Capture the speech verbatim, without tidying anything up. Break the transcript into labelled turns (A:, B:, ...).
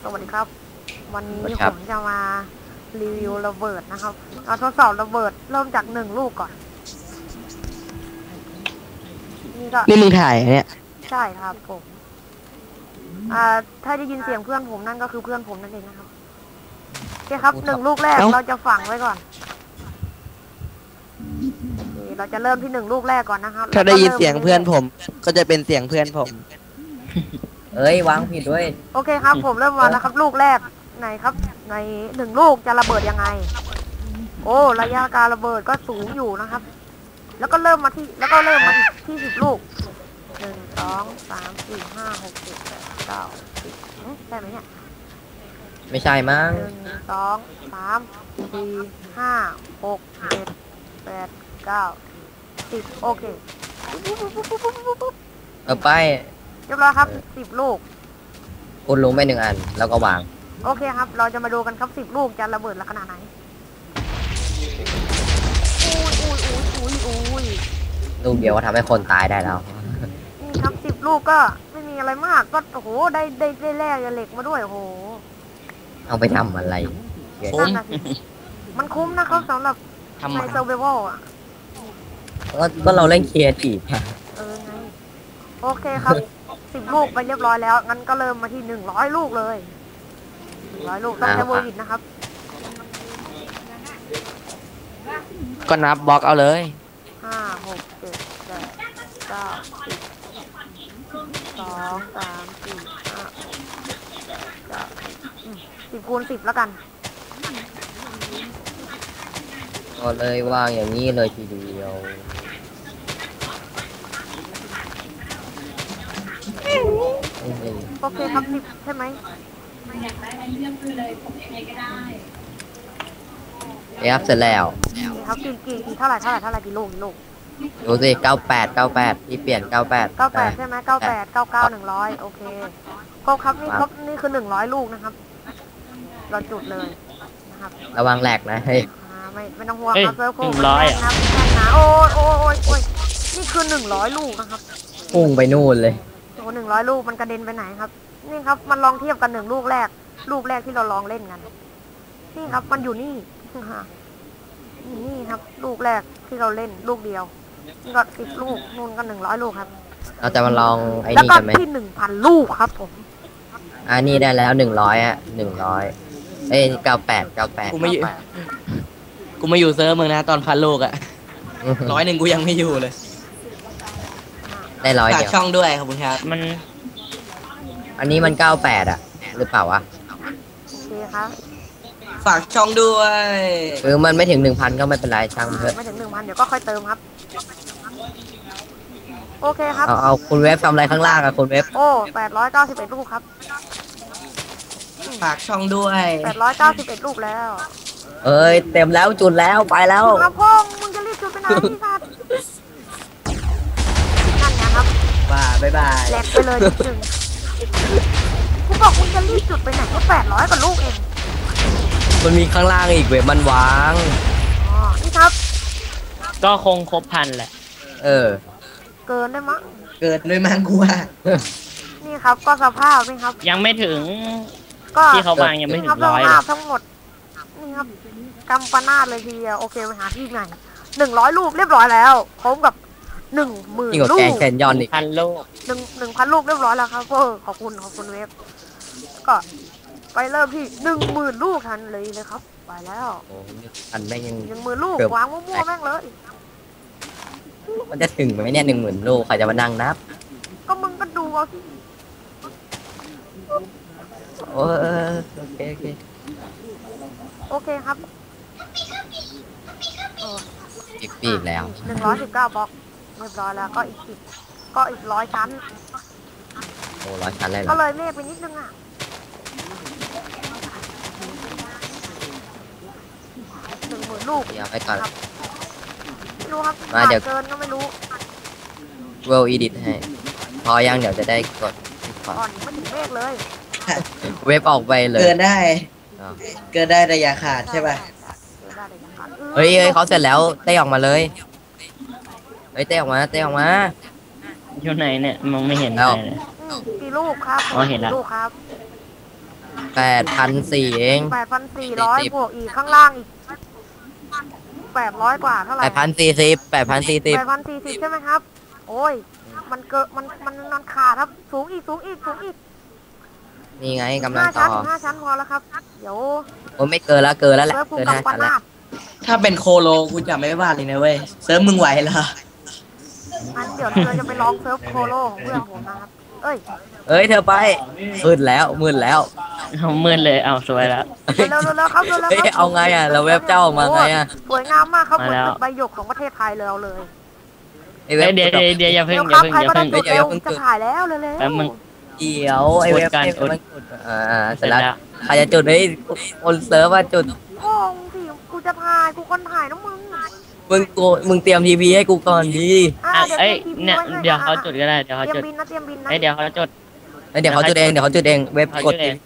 A: สวัสดีครับวันนี้
B: สวัสดี
A: ผ
B: ครับ
A: มจะมารีวิวระเบิดนะครับเอาทดสอบระเบิดเริ่มจากหนึ่งลูกก่อนนี่ก็
B: นี่มึงถ่ายเนี่ย
A: ใช่ครับผมอ่าถ้าได้ยินเสียงเพื่อนผมนั่นก็คือเพื่อนผมนั่นเองนะครับโอเคครับหนึ่งลูกแรกเราจะฝังไว้ก่อนโอเคเราจะเริ่มที่หนึ่งลูกแรกก่อนนะครับ
B: ถ้าได้ยิน
A: แล้วก็ริ่ม
B: เสียงเพื่อนผม ก็จะเป็นเสียงเพื่อนผม
C: เอ้ยวางผิดด้วย
A: โอเคครับ ผมเริ่มมาแล้วครับ ลูกแรกไหนครับในหนึ่งลูกจะระเบิดยังไง โอ้ระยะการระเบิดก็สูงอยู่นะครับ แล้วก็เริ่มมาที่แล้วก็เริ่มมาอีกที่สิบลูกหนึ่งสองสามสี่ห้าหกเจ็ดแปดเก้าสิบใช่ไหมเนี่ย
C: ไม่ใช่มั้ง
A: หนึ่งสองสามสี่ห้าหกเจ็ดแปดเก้าสิบโอเค
C: เออไป
A: เรียบร้อยครับสิบลูก
C: คุณลงไปหนึ่งอัน แล้วก็วาง
A: โอเคครับ เราจะมาดูกันครับสิบลูกจะระเบิดละขนาดไหนอุ้ยอุ้ยอุ้ยอุ้ยอุ้ย
C: ลูกเดียวก็ทำให้คนตายได้แล้ว
A: นี่ครับสิบลูกก็ไม่มีอะไรมากก็โอ้โหได้ได้ได้แร่เหล็กมาด้วยโอ้โห
C: เอาไปทำอะไร
B: คุ้ม
A: นั่นน่ะสิมันคุ้มนะครับสำหรับ
B: ทำไม
A: ในเซอร์ไวลอ่ะ
C: ก็ก็เราเล่นเคลียร์ทีฟ
A: เออไงโอเคครับสิบลูกไปเรียบร้อยแล้วงั้นก็เริ่มมาที่หนึ่งร้อยลูกเลยหนึ่งร้อยลูกต้องใช้เวอร์วินนะครับ
B: ก็นับบล็อกเอาเลย
A: ห้าหกเจ็ดแปดเก้าสิบสองสามสี่ห้าหกเจ็ดแปดเก้าอืมสิบคูณสิบแล้วกัน
C: ก็เลยวางอย่างนี้เลยทีเดียว
A: โอเคครับสิบใช่ไหม
C: เอฟเสร็จแล้ว
A: นี่ครับกี่กี่กี่เท่าไหร่เท่าไหร่เท่าไหร่กี่ลูกกี่ลูก
C: ดูสิเก้าแปดเก้าแปดที่เปลี่ยนเก้าแปด
A: เก้าแปดใช่ไหมเก้าแปดเก้าเก้าหนึ่งร้อยโอเคครบครับนี่ครบนี่คือหนึ่งร้อยลูกนะครับ เราจุดเลยนะครับ
C: ระวังแหลกนะเฮ้ย
A: อ่าไม่ไม่ต้องห่วง
B: เอ้ย
A: ครับเซิร์ฟโค้ง
B: หนึ่งร้อย
A: แน่นนะแน่นนะโอ้ยโอ้ยโอ้ยโอ้ยนี่คือหนึ่งร้อยลูกนะครับ
C: พุ่งไปนู่นเลย
A: โอ้หนึ่งร้อยลูกมันกระเด็นไปไหนครับ นี่ครับมันลองเทียบกันหนึ่งลูกแรก ลูกแรกที่เราลองเล่นกัน นี่ครับมันอยู่นี่นี่นี่ครับ ลูกแรกที่เราเล่นลูกเดียวนี่ก็สิบลูกนู่นก็หนึ่งร้อยลูกครับ
C: เราจะมาลองไอ้
A: แล้ว
C: นี่
A: ก็
C: กันไหม
A: ที่หนึ่งพันลูกครับผม
C: อันนี้ได้แล้วหนึ่งร้อยอะหนึ่งร้อยเอ้ยเก้าแปดเก้าแปด
B: กูไม่อยู่ กูมาอยู่เซิร์ฟมึงนะตอนพันโลกอะร้อยหนึ่งกูยังไม่อยู่เลย
C: ได้ร้อย
B: ฝาก
C: เดียว
B: ช่องด้วยขอบคุณครับมัน
C: อันนี้มันเก้าแปดอะหรือเปล่าวะ
A: โอเคครับ
B: ฝากช่องด้วย
C: เออมันไม่ถึงหนึ่งพันก็ไม่เป็นไรช่างมันเถอะ
A: ไม่ถึงหนึ่งพันเดี๋ยวก็ค่อยเติมครับ โอเคครับ
C: เอาเอาคุณเว็บทำอะไรข้างล่างอะคุณเว็บ
A: โอ้แปดร้อยเก้าสิบเอ็ดลูกครับ
B: ฝากช่องด้วย
A: แปดร้อยเก้าสิบเอ็ดลูกแล้ว
C: เอ้ยเต็มแล้วจุดแล้วไปแล้ว
A: มาพ่องมึงจะรีบจุดไปไหนพี่สัตว์นั่นไงครับ
B: บ้าบ๊ายบาย
A: แหลกไปเลยนิดนึงกูบอกมึงจะรีบจุดไปไหนก็แปดร้อยกว่าลูกเอง
C: มันมีข้างล่างอีกเว็บมันวาง
A: อ๋อ นี่ครับ
D: ก็คงครบพันแหละ
C: เออ
A: เกินได้มั้ง
B: เกิดด้วยมังกูว่า
A: นี่ครับก็สภาพนี่ครับ
D: ยังไม่ถึง
A: ก็
D: ที่เขาวางยังไม่
A: นี่
D: ถึ
A: ครับ
D: ง
A: ส
D: ร้อยเล
A: ภาย พทั้งหมด นี่ครับกำปนาดเลยทีเดียวโอเคไปหาที่ไหนหนึ่งร้อยลูกเรียบร้อยแล้วพร้อมกับหนึ่งหมื่น
C: ยิ่งกว่า
A: ลู
C: แก
A: ก
C: งแคนยอนอีก
D: พันโลก
A: หนึ่งหนึ่งพันลูกเรียบร้อยแล้วครับเออขอบคุณขอบคุณเว็บ ก็ไปเริ่มที่หนึ่งหมื่นลูกทันเลยเลยครับ ไปแล้ว
C: โอ้อันแม่งยัง
A: หนึ่งหมื่นลูก
C: เกือบ
A: วางมั่วๆแม่งเลย
C: มันจะถึงไหมเนี่ยหนึ่งหมื่นลูกใครจะมานั่งนับ
A: ก็มึงก็ดูเอาสิ
C: โอ้เออโอเคโอเค
A: โอเคครับโอ้
C: อีกปีอีกแล้ว
A: หนึ่งร้อยสิบเก้าบล็อกเรียบร้อยแล้วก็อีกสิบก็อีกร้อยชั้น
C: โอ้ร้อยชั้นเลยเหร
A: ก็
C: อ
A: เลยเมฆไปนิดนึงอ่ะหนึ่งหมื่นลูก
C: เดี๋ยวไปก่อน
A: ไม่รู้ครับ
C: มาเดี๋ยว
A: เกินก็ไม่รู้
C: เวลอีดิทให้พอยังเดี๋ยวจะได้กดขอ
A: ก่อนไม่ถึงเมฆเลย
C: เว็บออกไปเลย
B: เกินได้
C: อ้าว
B: เกินได้แต่อย่าขาดใช่ป่ะ
A: เกินได้แต่ยังขาด
C: เฮ้ยเฮ้ยเขาเสร็จแล้วเต้ออกมาเลยเฮ้ยเต้ออกมาเต้ออกมา
D: อยู่ไหนเนี่ยมองไม่เห็น
C: แล้
D: อะ
C: ว
D: ไรเลย
A: อืมกี่ลูกครับ
D: อ๋อเห็นละ
A: กี่ลูกครับ
C: แปดพันสี่เอง
A: แปดพันสี่ร้อยบวกอีกข้างล่างอีกแปดร้อยกว่าเท่าไห
C: แป
A: ร่
C: ดพันสี่สิบแปดพันสี่สิบ
A: แปดพันสี่สิบใช่ไหมครับ โอ้ย มันเกิดมันมันมันขาดครับ สูงอีกสูงอีกสูงอีก
C: นี่ไงกำลัง
A: ห้า
C: ต่
A: ชั้
C: อน
A: ห้าชั้นพอแล้วครับ เดี๋ยว
C: โอ้ไม่เกินแล้วเกินแล้วแหละ
A: เซิร์ฟภู
C: เกิน
A: กับ
C: ห้า
A: ป
C: ชั้นแล้ว
A: นาด
B: ถ้าเป็นโคโลกูจะไม่ว่าเลยนะเว้ยเซิร์ฟมึงไหวเหรอ
A: อันเดี๋ยวเราจะไปลองเซิร์ฟโคโลของเพื่อนผมนะครับ เอ้ย
C: เอ้ยเธอไปมืดแล้วมืดแล้ว
D: เอามืดเลยเอาสวยแล้ว
A: เร็วเร็วเร็วครับเร็วเร็ว
C: เฮ้ย
A: ครับ
C: เอาไงอ่ะเราเว็บเจ้าออกมาไงอ่ะ
A: สวยงามมากครับเหมือน
D: มาแล้ว
A: ตึกใบหยกของประเทศไทยเลยเอาเลย
C: ไอเว็บ
D: เดี๋ยวเดี๋ยวเดี๋ยวอย่าเพิ่ง
A: เร็ว
D: อ
A: ค
D: ย่า
A: รับ
D: เพิ่ง
A: ใคร
D: อย่า
A: ก็
D: เพิ่
A: ได้
D: ง
A: จุดเร็วจะถ่ายแล้วเร็วเร็ว
D: แป๊บมึง
C: เดี๋ยวไอเว็บ
D: กดกัน
C: ไอ้
D: กด
C: มันกดอ่าเสร็จแล้วใครจะจุดไอ้คนเซิร์ฟว่าจุด
A: โอ้งสิกูจะถ่ายกูคนถ่ายนะมึง
C: มึงกูมึงเตรียมทีพีให้กูก่อนดี
A: อ่ะ
D: อ่ะ
A: เดี๋ยว
D: เอ้ย
A: เตรียม
D: เนี่ย
A: ทีวีไว้ให้
D: เดี๋ยวเขา
A: อ่ะ
D: จุดก็ได้เดี๋ยวเขา
A: เตรีย
D: จุ
A: ม
D: ด
A: บินนะเตรียมบินนะ
D: เอ้ยเดี๋ยวเขาจุด
C: แล้วเดี๋ยวเขาจุดเองเดี๋ยวเขาจุดเองเว็บ
D: เขา
C: กด
D: จุดเอง